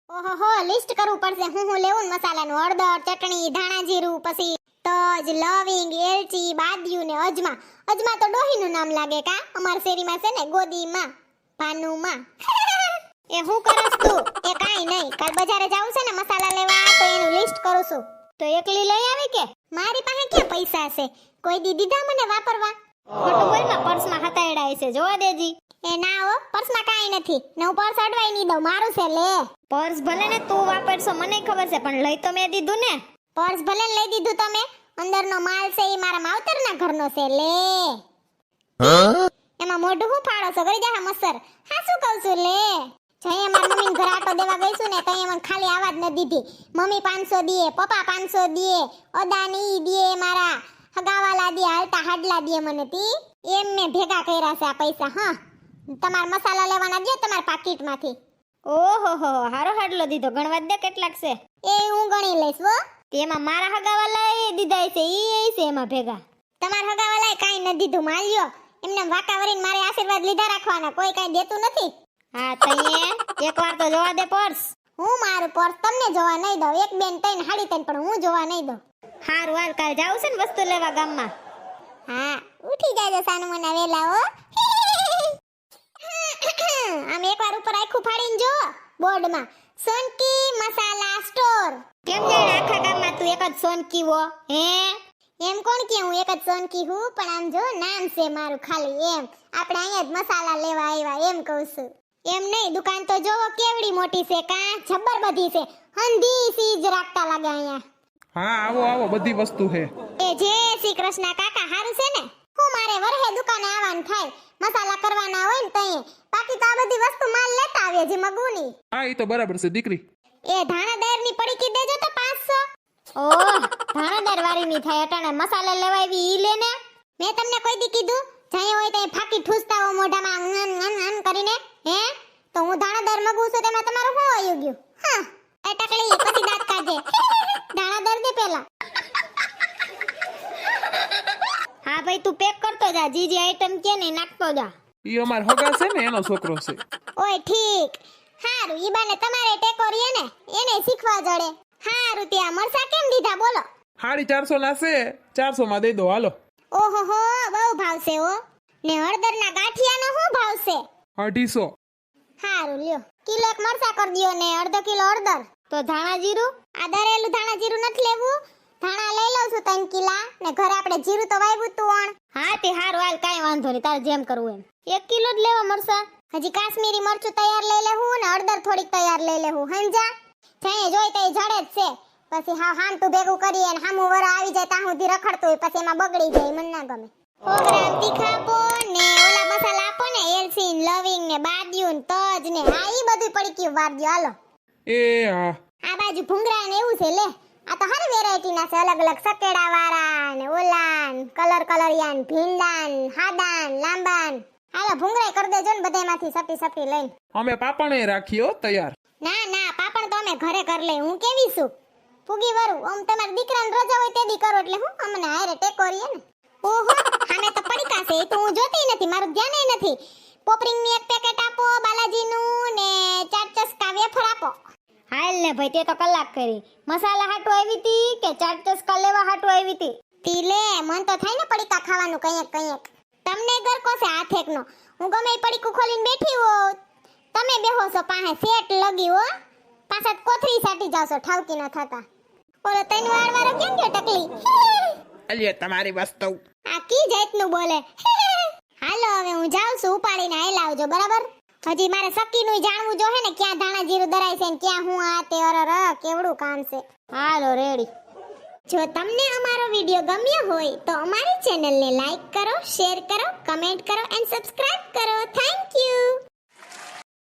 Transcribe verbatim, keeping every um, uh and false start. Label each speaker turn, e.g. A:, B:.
A: ઓહો હો, લિસ્ટ કરવું પડશે હું હું લેવું ને મસાલાનું. હળદર, ચટણી, ધાણા જીરું, પછી તજ, લવિંગ, એલચી, બાદિયું ને અજમા. અજમા તો ડોહીનું નામ લાગે કા? અમાર શેરીમાં છે ને ગોદીમાં, ભાનુમાં. એ હું કરસ તું? એ કાઈ નહીં, કાલ બજારે જાવું છે ને મસાલા લેવા, તો એનું લિસ્ટ કરું છું. તો એકલી લઈ આવી કે? મારી પાસે ક્યાં પૈસા છે? કોઈ દી દીધા મને વાપરવા? ખોટું બોલ માં, પર્સમાં હતાયડા છે, જોવા દેજી. એ ના હો, પર્સમાં કાઈ નથી ને હું પર્સ અડવાઈ નહીં દઉં, મારું છે લે.
B: પર્સ ભલે ને તું વાપરશો મને ખબર છે, પણ લઈ તો મેં દીધું ને.
A: પર્સ ભલે ને લઈ દીધું તમે, અંદરનો માલ છે એ મારા માવતરના ઘરનો છે લે. એમાં મોઢું હું ફાડો છો? કરી જા મસર. હા શું કહું છું લે. જઈએ મારા મમ્મીને ઘર આટો દેવા ગઈ છું ને, તઈ મને ખાલી આવાજ ન દીધી. મમ્મી પાંચસો દીએ, પપ્પા પાંચસો દીએ, અદાની દીએ, મારા હગાવાલા દીએ, હાલતા હાડલા દીએ મને તી. એમ મેં ભેગા કર્યા છે આ પૈસા. હા, તમાર મસાલા લેવાના દે તમાર પાકીટમાંથી.
B: ઓહો હો, હારો હાડલો દીધો. ગણવા દે કેટલાક છે
A: એ હું ગણી લઈશ હો.
B: તેમાં મારા હગાવાલા એ દીધા છે, ઈ એ છે એમાં ભેગા.
A: તમાર હગાવાલાએ કાઈ ન દીધું, માલ્યો. એમને વાકા વરીને મારે આશીર્વાદ લીધા રાખવાના, કોઈ કાઈ દેતું નથી.
B: હા તઈએ એકવાર તો જોવા દે પર્સ.
A: હું મારું પર્સ તમને જોવા નહીં દઉં. એક બેન તઈને હાડી તઈને, પણ હું જોવા નહીં દઉં.
B: હારું હાલ, કાલ જાવું છે ને વસ્તુ લેવા ગામમાં.
A: હા, ઉઠી જાજો સાનું મના વેલા હો. આમ એકવાર ઉપર આખું ફાડીને જો બોર્ડમાં, સોનકી મસાલા સ્ટોર.
B: કેમ જાણે આખા ગામમાં તું એક જ સોનકી હો? હે
A: એમ કોણ કે હું એક જ સોનકી હું? પણ આમ જો નામ છે મારું ખાલી એમ. આપણે અહીંયા જ મસાલા લેવા આવ્યા એમ કહું છું. એમ નહીં, દુકાન તો જોવો કેવડી મોટી છે કા? જબ્બર બધી છે, હંધી સીજ રાખતા લાગે અહીંયા.
C: હા આવો આવો, બધી વસ્તુ છે.
A: એ જય શ્રી કૃષ્ણ કાકા, હારું છે ને? હું મારે વરહે દુકાને આવવાનું થાય, મસાલા કરવાના હોય ને તઈએ. બાકી તો આ બધી વસ્તુ માલ લેતા આવીએ જે મગુની.
C: હા એ તો બરાબર છે દીકરી.
A: એ ધાણાદાર ની પડીકી દેજો તો પાંચસો.
B: ઓહ, ધાણાદાર વાળી ની થાય અટાણે મસાલા લેવા આવી ઈ લે ને.
A: મેં તમને કોઈ દી કીધું જઈએ હોય તો ફાકી ઠૂસતા હો મોઢામાં અન અન અન કરીને? હે, તો હું ધાણાદાર મગું છું, તેમાં તમારું શું આવ્યું ગયું? હા, એ ટકલી પછી દાંત કાઢે. ધાણાદાર દે પેલા.
B: હા ભાઈ તું પેક કરતો જા, જે જે આઈટમ કે ને નાખતો જા.
C: ઈ અમાર હગા છે ને એનો છોકરો છે.
A: ઓય ઠીક, હારું. ઈ બાને તમારે ટેકો રીએ ને, એને શીખવા જડે. હારું, ત્યાં મરસા કેમ દીધા બોલો?
C: સાડી ચારસો ના છે, ચારસો માં દઈ દો હાલો.
A: ઓહો હો, બહુ ભાવ છે હો. ને હળદરના ગાંઠિયાનો શું ભાવ છે?
C: અઢીસો.
A: હારું લ્યો, કિલો એક મરસા કરી દ્યો ને અડધો કિલો હળદર.
B: તો ધાણા જીરું?
A: આ દરેલું ધાણા જીરું નથી લેવું. ધાણા લઈ લઉં છું ત્રણ કિલા, ને ઘરે આપણે જીરું તો વાવ્યું તું અણ.
B: હા તે હારું હાલ, કાઈ વાંધો નહીં, તારે જેમ કરવું એમ. એક કિલો જ લેવા મરસા.
A: હજી કાશ્મીરી મરચું તૈયાર લઈ લેવું ને હળદર થોડીક તૈયાર લઈ લેવું. સમજા? જઈએ જોઈ તો જડે જ છે. પછી હા હામતું ભેગું કરીએ ને હામું વરા આવી જાય ત્યાં સુધી રખડતું હોય, પછી એમાં બગડી જાય, મને ના ગમે. સો ગ્રામ તીખા આપો ને ઓલા મસાલા આપો ને, એલચી ને લવિંગ ને બાદિયું ને તજ ને, હા ઈ બધું પડી ગયું વાર દ્યો હાલો.
C: એ હા,
A: આ બાજુ ભૂંગરા ને એવું છે લે. આ તો હર વેરાયટી ના છે, અલગ અલગ સકેડા વાળા ને ઓલા ને કલર કલરિયા ને ભીંડા ને હાડા ને લાંબા ને. હાલો ભૂંગરા કરી દેજો ને બધામાંથી સપી સપી લઈને.
C: અમે પાપણે રાખ્યો તૈયાર.
A: ના ના, પાપણ તો અમે ઘરે કર લે. હું કેવી છું ફૂગી વરું? આમ તમારા દીકરાને રજા હોય તેદી કરો એટલે હું અમને હારે ટેકો રીએ ને. ઓહો, આમે તો પડીકા છે, એ તો હું જોતી નથી, મારું ધ્યાન નથી. પોપરિંગ ની એક પેકેટ આપો, બાલાજી નું ને ચાર ચસ્કા વેફર આપો.
B: હાલ ને ભાઈ, તે તો કલાક કરી. મસાલા હાટુ આવી તી કે ચાટ ચસ્કા લેવા હાટુ આવી તી?
A: તી લે, મન તો થાય ને પડીકા ખાવાનું કંઈક કંઈક. તમને ગરકો છે હાથેકનો. હું ગમે એ પડીકું ખોલીને બેઠી હો, તમે બેહો છો પાસે સેટ લગી હો, પાછા કોથરી સાટી જાવ છો ઠાવકી ન થતા. ઓલો તૈન વાર વાળો કેમ ગયો ટકલી?
C: અલ્યા તમારી વસ્તુ.
A: આ કી જાતનું બોલે? હાલો હવે હું જાઉં છું, ઉપાડીને આઈ લાવજો બરાબર. હજી મારે સકીનું જાણવું જો હે ને, ક્યાં ધાણા જીરું દરાય છે ને ક્યાં હું આ તે અરર કેવડું કામ છે.
B: હાલો રેડી.
A: જો તમને અમારો વિડિયો ગમ્યો હોય તો અમારી ચેનલને લાઈક કરો, શેર કરો, કમેન્ટ કરો એન્ડ સબસ્ક્રાઇબ કરો. Thank you.